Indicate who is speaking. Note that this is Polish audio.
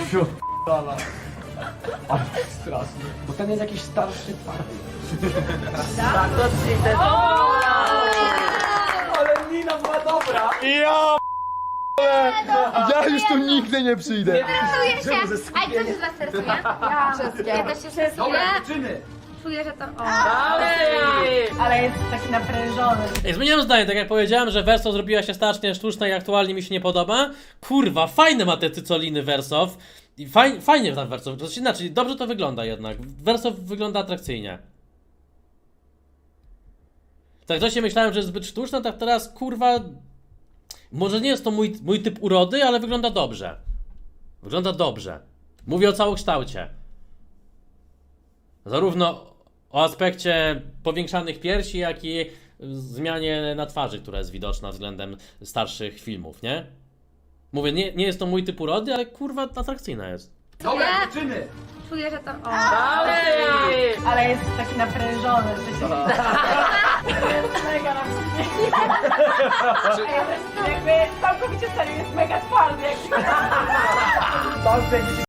Speaker 1: Ale straszny. Bo ten jest jakiś starszy twardy.
Speaker 2: Tak, to ci
Speaker 1: Ale Nina była dobra.
Speaker 3: Ja już tu nigdy nie przyjdę.
Speaker 4: Stresuję się. A kto się z was stresuje? Ja.
Speaker 2: Wszystkie.
Speaker 4: Ja też się stresuję.
Speaker 1: Dobra, dziewczyny.
Speaker 4: Czuję, że to... O.
Speaker 2: Dalej!
Speaker 5: Ale jest taki naprężony.
Speaker 6: Ej, zmieniłem zdanie, tak jak powiedziałem, że Wersow zrobiła się strasznie sztuczna i aktualnie mi się nie podoba. Kurwa, fajne ma te cycoliny Wersow. I fajnie tam Wersow, to znaczy dobrze to wygląda jednak. Wersow wygląda atrakcyjnie. Tak wcześniej myślałem, że jest zbyt sztuczna, tak teraz kurwa... Może nie jest to mój typ urody, ale wygląda dobrze. Wygląda dobrze. Mówię o całokształcie. Zarówno o aspekcie powiększanych piersi, jak i zmianie na twarzy, która jest widoczna względem starszych filmów, nie? Mówię, nie jest to mój typ urody, ale kurwa atrakcyjna jest.
Speaker 1: Dobra, dziewczyny.
Speaker 4: Czuję, że to... O.
Speaker 2: Dalej!
Speaker 5: Ale jest taki naprężony, że się... Jest mega na Jakby całkowicie serio jest mega twardy. Jak...